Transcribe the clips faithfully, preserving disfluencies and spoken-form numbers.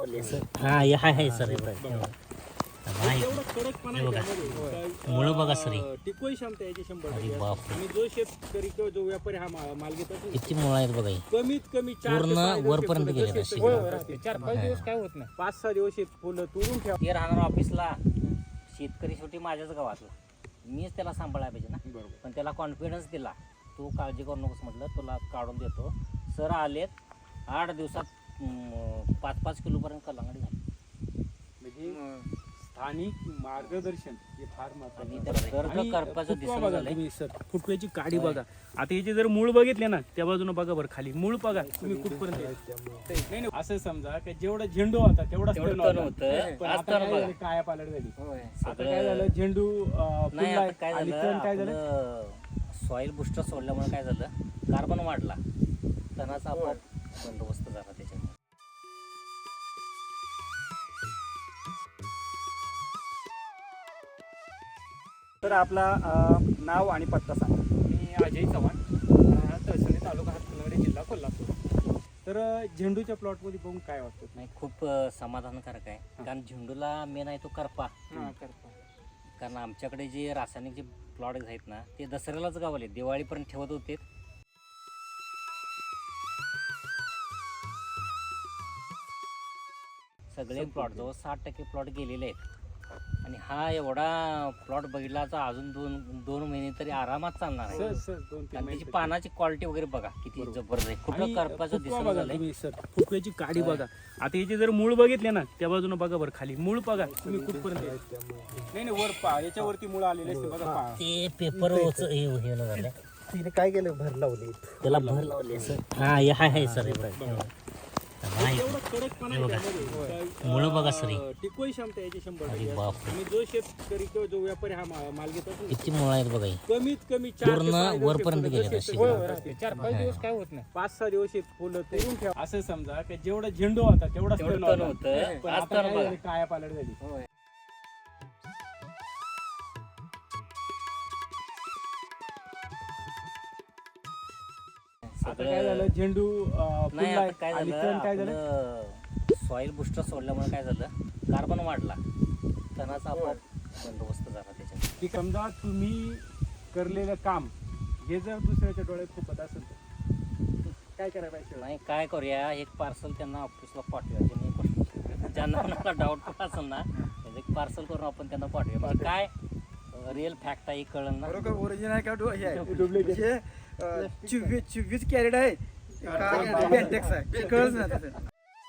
लावले सर. हा हे हाय हाय सर हे बघा. एवढं कडकपणा आहे त्यामध्ये. मुळं बघा सर. टिकवू क्षमता याची शंभर अरे टक्के. बापरे. आणि जो शेतकरी किंवा जो व्यापारी हा मा- माल घेत असेल किती मुळं आहेत बघा हे. कमीत कमी चार ते पूर्ण सहा दिवस वरपर्यंत हे गेलेलं फुलं आहे. कसे होय, शेतात होय, राहते. चार पाच दिवस काय होत नाही. पाच सहा दिवस हे फुलं तुरून ठेवा. ते राहणार ऑफिसला शेतकरी शेवटी माझ्याच गावातला, मीच त्याला सांभाळायला पाहिजे ना. बरोबर. पण त्याला कॉन्फिडन्स दिला, तू काळजी करू नकोस म्हटलं, तुला काढून देतो. सर आलेत आठ दिवसात अं, पाच पाच किलोपर्यंत कलांगडी झाली. म्हणजे स्थानिक मार्गदर्शन हे फार आणि महत्त्वाचं त्याला आहे. कर्ज आणि करपाचं फुटवा दिसून बघा झालंय. तुम्ही सर, फुटव्याची काडी होय. बघा. आता याचे जर मूळ बघितले ना त्या बाजूने बघा बरं खाली मूळ बघा तुम्ही कुठपर्यंत आहे. नाही नाही असं समजा की जेवढा झेंडू होता तेवढा तेवढं तण तण होता. होतं. पण आज आता तण काय बघा. झालं, काया पालट झाली. होय. आता सगळं- काय झालं झेंडू अं, नाही फुललाय आता काय आणि झालं, तण काय झालं आपलं सॉइल बुस्टर सोडल्यामुळे काय झालं, कार्बन वाढला, तणाचा आपोआप बंदोबस्त झाला त्याच्यामुळे. तर आपला अ, नाव आणि पत्ता सांगा. मी अजय चव्हाण, राहणार तहसील तालुका हातकणंगले, जिल्हा कोल्हापूर. तर अं, झेंडूच्या प्लॉटमध्ये बघून काय वाटतं? नाही खूप अं, समाधानकारक आहे. कारण झेंडूला मेन आहे तो करपा. हा, करपा. कारण आमच्याकडे जे रासायनिक जे प्लॉट आहेत ना ते दसऱ्यालाच गावले, दिवाळीपर्यंत ठेवत होते. सगळे प्लॉट जवळ साठ टक्के प्लॉट गेलेले आहेत. आणि हा एवढा प्लॉट बघितला तर अजून दोन दोन महिने तरी आरामात चालणार आहे. सर सर दोन तीन आणि त्याची महिने. पानाची क्वालिटी वगैरे बघा किती बरोबर. जबरदस्त आहे. कुठलं आणि करपाचं फुटवा दिसून बघा झालंय. तुम्ही सर, फुटव्याची काडी होय. बघा. आता याचे जर मूळ बघितले ना त्या बाजूने बघा बरं खाली मूळ बघा तुम्ही कुठपर्यंत आहे. नाही नाही वर पहा, याच्यावरती मूळ आलेले असते बघा पहा. ते पेपर हे हे न झालं, तिने काय केलं, भर लावली. त्याला भर लावले सर. हा हे हाय हाय सर हे बघा. एवढं कडकपणा आहे त्यामध्ये. काय, मुळं बघा सर. अं, टिकवू क्षमता याची शंभर अरे टक्के. बापरे. आणि जो शेतकरी किंवा जो व्यापारी हा मा- माल घेत असेल किती मुळं आहेत बघा हे. कमीत कमी चार ते पूर्ण सहा दिवस हे वरपर्यंत फुलं गेलेलं कसे आहे. शेतात होय, होय, राहते. चार पाच दिवस काय होत नाही. पाच सहा दिवस हे फुलं तुरून ठेवा. असं समजा की जेवढा झेंडू होता तेवढा तेवढं तण तण होता. होतं. पण आज आता तण काय बघा. झालं, काया पालट झाली. होय. आता काय झालं झेंडू अं, नाही फुललाय आता काय आणि झालं, तण काय झालं आपलं सॉइल बुस्टर सोडल्यामुळे काय झालं, कार्बन वाढला, तणाचा आपोआप बंदोबस्त झाला त्याच्यामुळे. की समजा तुम्ही करलेलं काम हे जर दुसऱ्याच्या डोळ्यात खूपच असेल तर काय करायला पाहिजे? नाही काय करूया, एक पार्सल त्यांना ऑफिसला पाठवूया. ज्यांनी ज्यांना कोणाला डाऊट पण असेल ना त्याचं एक पार्सल करून आपण त्यांना पाठवूया. म्हणजे काय रिअल फॅक्ट आहे कळलं ना. बरोबर ओरिजिनल का डो- हे आहे. Duplicate. म्हणजे, अ, चोवीस चोवीस कॅरेट आहे का बेंटेक्स आहे कळच नाही त्याचं.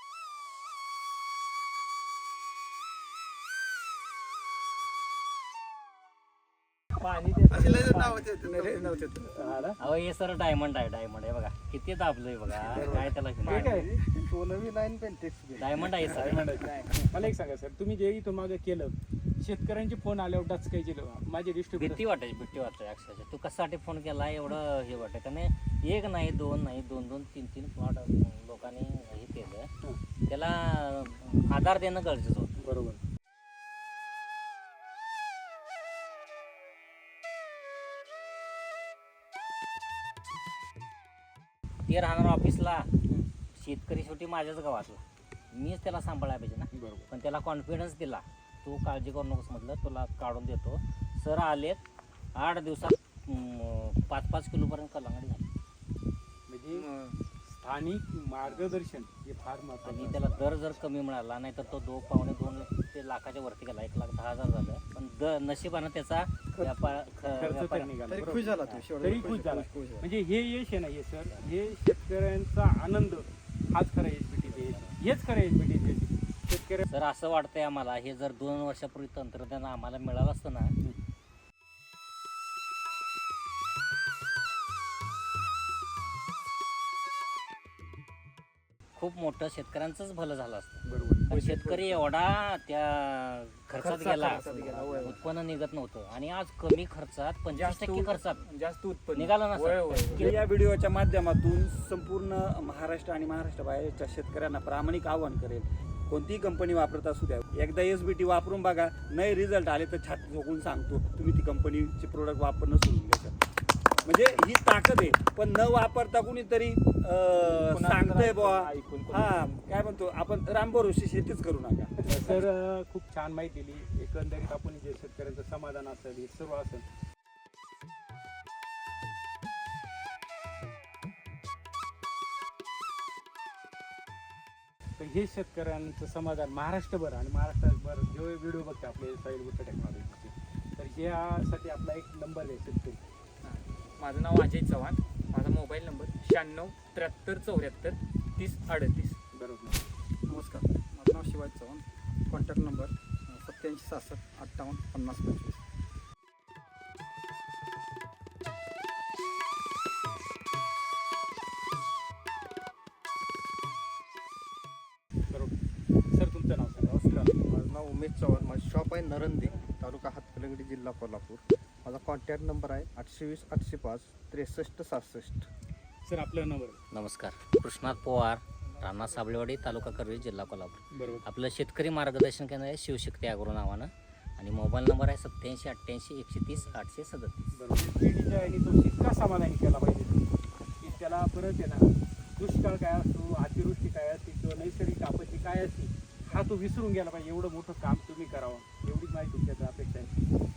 पाणी असे लय नाव होते लय नाव होते. अहो हे सर डायमंड आहे, डायमंड आहे बघा किती दाबलोय बघा. काय त्याला ठीक आहे. सोनवी लाईन बेंटेक्स डायमंड आहे सर. मला एक सांगा सर, तुम्ही जे इथून मागे केलं शेतकऱ्यांचे फोन आल्यावर डचकायचे माझे डिस्ट्रीब्युटर भीती वाटायची, भीती वाटते अक्षरशः. तू कशासाठी फोन केला एवढं हे वाटतं का नाही. एक नाही दोन नाही दोन दोन तीन तीन प्लॉट लोकांनी हे केलं, त्याला आधार देणं गरजेचं होतं. बरोबर. ते राहणार ऑफिसला शेतकरी शेवटी माझ्याच गावातला, मीच त्याला सांभाळायला पाहिजे ना. बरोबर. पण त्याला कॉन्फिडन्स दिला, तू काळजी करू नकोस म्हटलं, तुला काढून देतो. सर आलेत आठ दिवसात अं, पाच पाच किलोपर्यंत कलांगडी झाली. म्हणजे स्थानिक मार्गदर्शन हे फार आणि महत्वाचं. त्याला दर जर कमी मिळाला नाही तर तो दो पावणे दोन ते लाखाच्या वरती गेला, एक लाख दहा हजार झालं. पण द नशिबानं त्याचा व्यापार ख- खर्च तर व्यापार- निघाला. तरी बरोबर. खुश झाला तू शेवटी. तरी खुश झाला. म्हणजे हे यश आहे ना हे सर, हे शेतकऱ्यांचा आनंद हाच खरा एस बी टी हेच खरं एस बी टी शेतकऱ्या. सर असं वाटतंय आम्हाला, हे जर दोन वर्षापूर्वी तंत्रज्ञान आम्हाला मिळालं असतं ना, खूप मोठं शेतकऱ्यांचंच भलं झालं असतं. बरोबर. पण शेतकरी एवढा त्या खर्चात खर्चात- गेला, खर्चात गेला, होय. उत्पन्न निघत नव्हतं. आणि आज कमी खर्चात पंचवीस टक्के खर्चात जास्त उत्पन्न निघालं ना होय, सर. होय, होय. या व्हिडिओच्या माध्यमातून संपूर्ण महाराष्ट्र आणि महाराष्ट्राबाहेरच्या शेतकऱ्यांना प्रामाणिक आवाहन करेल, कोणतीही कंपनी वापरत असू द्या, एकदा एस बी टी वापरून बघा. नाही रिझल्ट आले तर छाती झोकून सांगतो, तुम्ही ती कंपनीचे प्रोडक्ट वापरणं सोडून द्या. म्हणजे ही ताकद आहे. पण न वापरता कुणीतरी अं, सांगतंय बुवा हा काय म्हणतो आपण रामभरोशी शेतीच करू नका. सर अं, खूप छान माहिती दिली. एकंदरीत आपण जे शेतकऱ्यांचं समाधान असेल हे सर्व असेल तर हे शेतकऱ्यांचं समाधान महाराष्ट्रभर आणि महाराष्ट्रभर जे व्हिडिओ बघते आपले साईल गोष्ट टेक्नॉलॉजीचे तर यासाठी आपला एक नंबर आहे शेतकरी. माझं नाव अजय चव्हाण. माझा मोबाईल नंबर शहाण्णव त्र्याहत्तर चौऱ्याहत्तर तीस अडतीस. बरोबर. नमस्कार, माझं नाव शिवाजी चव्हाण. कॉन्टॅक्ट नंबर सत्याऐंशी सहासष्ट अठ्ठावन्न पन्नास पंचवीस. बरोबर. सर तुमचं नाव सांगा. नमस्कार, माझं नाव उमेश चव्हाण. माझं शॉप आहे नरंदे, तालुका हातकलंगडी, जिल्हा कोल्हापूर. माझा कॉन्टॅक्ट नंबर आहे आठशे वीस आठशे पाच त्रेसष्ट सहासष्ट. सर आपलं नंबर. नमस्कार, कृष्णात पवार, राणा साबळेवाडी, तालुका करवीर, जिल्हा कोल्हापूर. बरोबर. आपलं शेतकरी मार्गदर्शन केंद्र आहे शिवशक्ती अॅग्रो नावानं आणि मोबाईल नंबर आहे सत्याऐंशी अठ्ठ्याऐंशी एकशे तीस आठशे सदतीस. बरोबर. पिढीच्या आणि तो इतका समाधानी केला पाहिजे की त्याला परत आहे ना दुष्काळ काय असतो, अतिवृष्टी काय असते किंवा नैसर्गिक आपत्ती काय असते हा तो विसरून गेला पाहिजे. एवढं मोठं काम तुम्ही करावं एवढीच माहिती तुमच्याकडे अपेक्षा आहे.